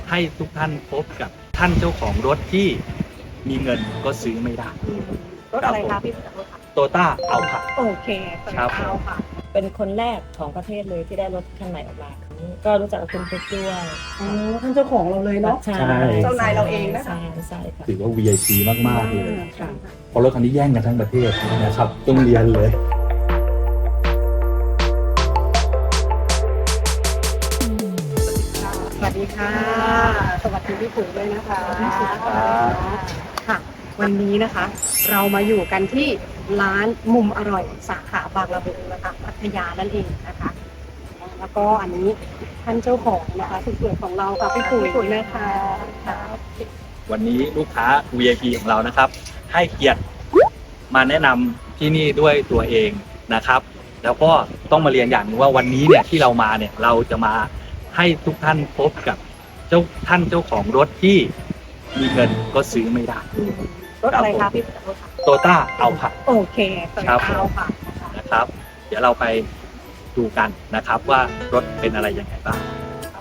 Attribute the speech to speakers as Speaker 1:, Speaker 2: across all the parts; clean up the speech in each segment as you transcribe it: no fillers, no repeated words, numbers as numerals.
Speaker 1: ให้ทุกท่านพบกับท่านเจ้าของรถที่มีเงินก็ซื้อไม่ได้
Speaker 2: รถอะไรคะพี่รถ
Speaker 1: โตต้าเอาค่ะ
Speaker 2: โอเค
Speaker 1: ครับผม
Speaker 2: เอาค่ะ
Speaker 3: เป็นคนแรกของประเทศเลยที่ได้รถคันใหม่ออกมา ก็รู้จักกับคุณปุ๊กด้วย
Speaker 2: ท่านเจ้าของเราเลยเนาะ
Speaker 3: ใช่
Speaker 2: เจ้านายเราเองนะคะ
Speaker 3: ใช่ค่ะ
Speaker 1: ถือว่า VIP มากๆเลย
Speaker 2: ค่ะ
Speaker 1: เพราะรถคันนี้แย่งกันทั้งประเทศนะครับต้องเรียนเลย
Speaker 2: สวัสดีค่ะ สวัสดีพี่ปุ๋ยด้วยนะคะ
Speaker 1: ครับ
Speaker 2: ค่ะ วันนี้นะคะ เรามาอยู่กันที่ร้านมุมอร่อยสาขาบางละมุงนะคะพัทยานั่นเองนะคะ แล้วก็อันนี้ท่านเจ้าของนะคะสุดสวยของเราค่ะพี่ปุ๋ยนะคะครับ
Speaker 1: วันนี้ลูกค้า VIP ของเรานะครับ ให้เกียรติมาแนะนำที่นี่ด้วยตัวเองนะครับ แล้วก็ต้องมาเรียนอย่างหนึงว่าวันนี้เนี่ยที่เรามาเนี่ยเราจะมาให้ทุกท่านพบกับท่านเจ้าของรถที่มีเงินก็ซื้อไม่ได้
Speaker 2: รถอะไรคะพี่รถ
Speaker 1: โตต้าเอาค่ะ
Speaker 2: โอเค
Speaker 1: ครับ
Speaker 2: เอาค่ะ
Speaker 1: นะครับ เดี๋ยวเราไปดูกันนะครับว่ารถเป็นอะไรยังไงบ้างครับ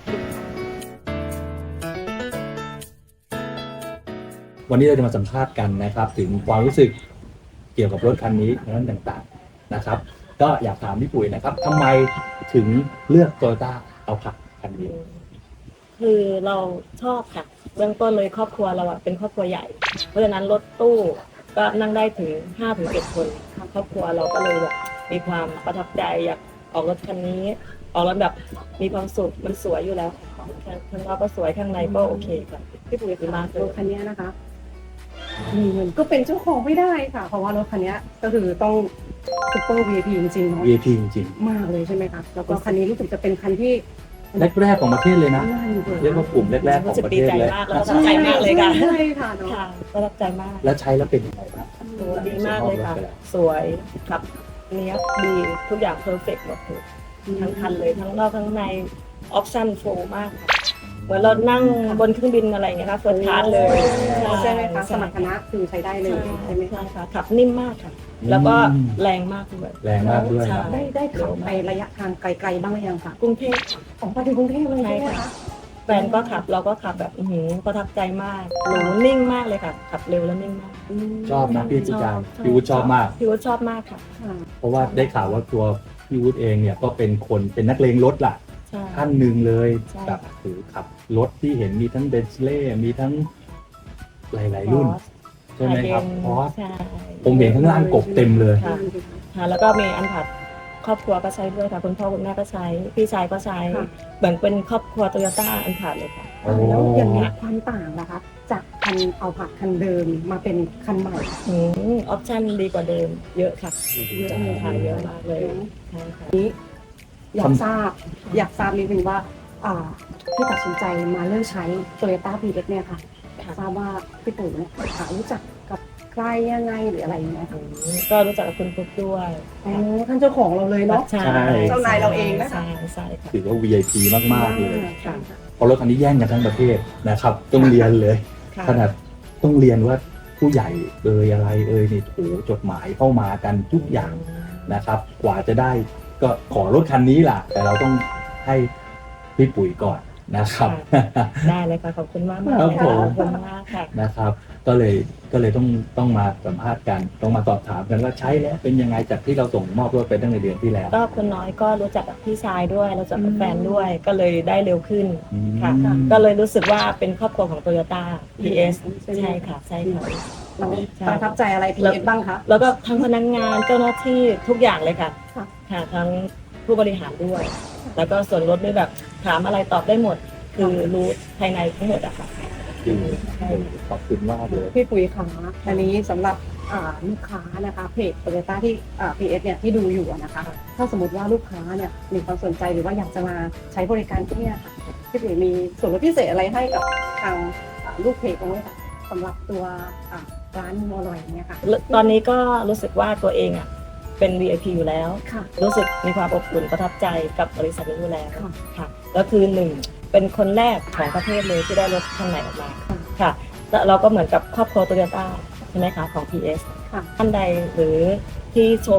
Speaker 1: วันนี้เราจะมาสัมภาษณ์กันนะครับ ถึงความรู้สึกเกี่ยวกับรถคันนี้และต่างๆนะครับ ก็อยากถามพี่ปุ๋ยนะครับทำไมถึงเลือกโตโยต้าเอาค่ะคันนี้
Speaker 3: คือเราชอบค่ะเบื้องต้นเลยครอบครัวเราอะเป็นครอบครัวใหญ่ เพราะฉะนั้นรถตู้ก็นั่งได้ถึง 5-7 คนครอบครัวเราก็เลยแบบมีความประทับใจอยากออกรถคันนี้ออกรถแบบมีความสุขมันสวยอยู่แล้วข้างนอกก็สวยข้างในก็โอเคค่ะ
Speaker 2: พี่ปุ๋ยคือมารถคันนี้นะคะมีเงินก็เป็นเจ้าของไม่ได้ค่ะ เพราะว่ารถคันนี้ก็คือต้องซุปเปอร์ VIP จริงๆเนาะ
Speaker 1: VIP จริง
Speaker 2: มากเลยใช่ไหมคะแล้วก็คันนี้รู้สึกจะเป็นคันที่
Speaker 1: ๆแรกๆของประเทศเลยนะ
Speaker 2: น่าอยู่เลย
Speaker 1: เรียกว่ากลุ่มแรกๆของ
Speaker 3: รู้สึก
Speaker 1: ประ
Speaker 3: ดี
Speaker 1: เทศ
Speaker 3: ใจ
Speaker 1: เลย
Speaker 3: มากแล้วก็ประทับใจมากเลยค่ะ
Speaker 2: ใช่ค่ะเนาะ
Speaker 3: ค่ะประทับใจมาก
Speaker 1: แล้วใช้แล้วเป็นยังไงบ้าง
Speaker 3: โอ้ดีมากเลยค่ะ สวยขับเนี้ยดีทุกอย่างเพอร์เฟกต์หมดเลยทั้งคันเลยทั้งนอกทั้งในออปชั่นโฟมากค่ะเหมือนเรานั่งบนเครื่องบินอะไรอย่างเงี้ยค่ะเฟิร์สคลาสเลย
Speaker 2: ใช่ไหมคะสมรรถนะคือใช้ได้เลยใช่ไหม
Speaker 3: ใช่
Speaker 2: คะ
Speaker 3: ค่ะขับนิ่มมากค่ะ แล้วก็แรงมากด้วย
Speaker 1: แรงมากด้วย
Speaker 3: ใช่
Speaker 2: ได้ขับไประยะทางไกลๆบ้างหรือยังคะ
Speaker 3: กรุงเทพ
Speaker 2: ออกมาถึงกรุงเทพเลยใช่ไหมคะ
Speaker 3: แฟนก็ขับเราก็ขับแบบประทับใจมากหรูนิ่งมากเลยค่ะขับเร็วแล้วนิ่งมาก
Speaker 1: ชอบนะพี่จิจารพี่วุฒิชอบมาก
Speaker 3: พี่วุฒิชอบมากค่ะ
Speaker 2: ค่ะ
Speaker 1: เพราะว่าได้ข่าวว่าตัวพี่วุฒิเองเนี่ยก็เป็นคนเป็นนักเลงรถล่ะ
Speaker 3: ใช่
Speaker 1: ท่านหนึ่งเลย
Speaker 3: ใช่
Speaker 1: แบบถือขับรถที่เห็นมีทั้งเบนซ์เล่มีทั้งหลายๆรุ่น ใช่ไหมครับเพราะ
Speaker 3: ใช่
Speaker 1: ผมเห็นข้างล่างกบเต็มเลย
Speaker 3: ค่ะค่ะแล้วก็มีอันผัดครอบครัวก็ใช้ด้วยค่ะคุณพ่อคุณแม่ก็ใช้พี่ชายก็ใช้เหมือนเป็นครอบครัวโตโยต้าอันผัดเลยค่ะ
Speaker 1: โอ้
Speaker 2: แล้วอย่างนี้ความต่างนะคะ จากคันเอาผัดคันเดิมมาเป็นคันใหม่
Speaker 3: ออปชั่นดีกว่าเดิมเยอะค่ะเยอะเลยค่ะเยอะมากเลยใช่ค่ะ
Speaker 2: อยากทราบนิดนึงว่าที่ตัดสินใจมาเลือกใช้ Toyota PX เนี่ยค่ะอยากทราบว่าพี่ปู่เนี่ยรู้จักกับใครยังไงหรืออะไรอย่างเงี้ยค่ะ
Speaker 3: ก็รู้จักกับคุณปุ๊กด้วย
Speaker 2: ท่านเจ้าของเราเลยเนาะ
Speaker 3: ใช่
Speaker 2: เจ้านายเราเองนะคะ
Speaker 3: ใช่ใช่ค่ะ
Speaker 1: ถือว่า VIP มากๆเลย
Speaker 3: ค่ะ
Speaker 1: เพราะรถคันนี้แย่งกันทั้งประเทศนะครับ ต้องเรียนเลย
Speaker 3: ค่ะ
Speaker 1: ขนาดต้องเรียนว่าผู้ใหญ่อะไรนี่โอ้โหจดหมายเข้ามากันทุกอย่างนะครับ กว่าจะได้ก็ขอรถคันนี้ล่ะ แต่เราต้องให้พี่ปุ๋ยก่อนนะครับ
Speaker 3: ได้เลยค่ะขอบคุณมาก
Speaker 1: ครับผม
Speaker 3: ขอบคุณมากค่ะ
Speaker 1: นะครับ ก็เลยต้องมาสัมภาษณ์กัน ต้องมาสอบถามกันว่าใช้แล้วเป็นยังไงจากที่เราส่งมอบรถไปตั้งแต่เดือนที่แล้ว
Speaker 3: ก็คุณน้อยก็รู้จักกับพี่ชายด้วยรู้จักกับแฟนด้วยก็เลยได้เร็วขึ้นค่ะ ก็เลยรู้สึกว่าเป็นครอบครัวของ Toyota PS ใช่ค่ะใช่ค่ะ
Speaker 2: เราประทับใจอะไร PX บ้างคะ
Speaker 3: แล้วก็ทั้งพนักงานเจ้าหน้าที่ทุกอย่างเลยค่ะ
Speaker 2: ค่ะ
Speaker 3: ค่ะทั้งผู้บริหารด้วย แล้วก็ส่วนลดด้วยแบบถามอะไรตอบได้หมด คือรู้ภายในทั้งหมดอะค่ะ
Speaker 1: ขอบคุณมากเลย
Speaker 2: พี่ปุ๋ยคะอันนี้สำหรับลูกค้านะคะเพจ Toyota ที่PS เนี่ยที่ดูอยู่อะนะคะ ถ้าสมมติว่าลูกค้าเนี่ยมีความสนใจหรือว่าอยากจะมาใช้บริการที่เนี่ยค่ะพี่ปุ๋ยมีส่วนลดพิเศษอะไรให้กับทางลูกเพจบ้างไหมคะสำหรับตัวร้านมุมอร่อยเนี่ยค่ะ
Speaker 3: ตอนนี้ก็รู้สึกว่าตัวเองอะเป็น VIP อยู่แล้ว
Speaker 2: ค่ะ
Speaker 3: รู้สึกมีความอบอุ่นประทับใจกับบริษัทนี้อยู่แล้ว
Speaker 2: ค่ะ
Speaker 3: ค่ะแล้วคือหนึ่งเป็นคนแรกของประเทศเลยที่ได้รถคันใหม่ออกมาค่ะแล้วเราก็เหมือนกับครอบครัวโตโยต้าใช่ไหมคะของ PS
Speaker 2: ค่ะ
Speaker 3: ท่านใดหรือที่ชม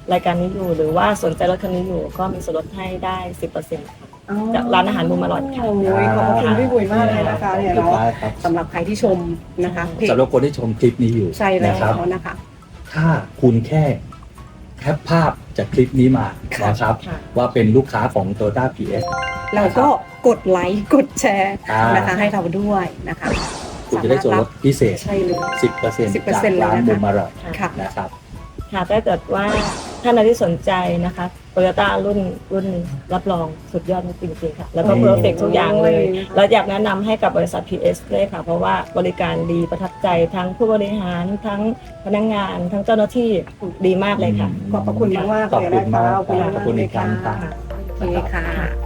Speaker 3: รายการนี้อยู่หรือว่าสนใจรถคันนี้อยู่ก็มีส่วนลดให้ได้ 10%
Speaker 2: อ๋อ
Speaker 3: จากร้านอาหารมุมอร่อยค่ะ
Speaker 2: โอ้ยขอบพระคุณพี่บุ๋ยมากเลยนะคะเนี่ย
Speaker 1: เรียบ
Speaker 2: เนาะ
Speaker 1: ร้อยครับ
Speaker 2: สำหรับใครที่ชมนะคะเพจ
Speaker 1: สำหรับคนที่ชมคลิปนี้อยู่
Speaker 2: ใช่แล้
Speaker 1: นะครับ
Speaker 2: วนะคะ
Speaker 1: ถ้าคุณแค่แคปภาพจากคลิปนี้มา
Speaker 2: ค่ะ
Speaker 1: นะครับ
Speaker 3: ค่ะ
Speaker 1: ว่าเป็นลูกค้าของ Toyota PS
Speaker 2: เราก็กดไลค์กดแชร์
Speaker 1: อ่าน
Speaker 2: นะคะให้เราด้วยนะคะ
Speaker 1: คุณจะได้ส่วนลดพิเศษ
Speaker 2: ใช่เลย
Speaker 1: 10%
Speaker 2: 10%
Speaker 1: จากร้าน
Speaker 2: เลยนะคะ
Speaker 1: บุมอร่อย
Speaker 2: ค่ะ
Speaker 1: นะครับ
Speaker 3: ค่ะถ้าเกิดว่าท่านใดที่สนใจนะคะโตโยต้ารุ่นรับรองสุดยอดจริงๆค่ะ แล้วก็
Speaker 1: อืม
Speaker 3: เพอร์เฟกทุกอย่างเลย
Speaker 2: โอ้ย
Speaker 3: เราอยากแนะนำให้กับบริษัท PS เลยค่ะ เพราะว่าบริการดีประทับใจทั้งผู้บริหารทั้งพนักงาน ทั้งเจ้าหน้าที่ดีมากเลยค่ะ
Speaker 2: ขอบพระคุณมากๆ
Speaker 1: ขอบ
Speaker 2: เลย
Speaker 1: คุณ
Speaker 2: นะ
Speaker 1: มาก
Speaker 2: คะ
Speaker 1: ขอบคุณอีกครั้งครับ
Speaker 2: โอเคค่ะ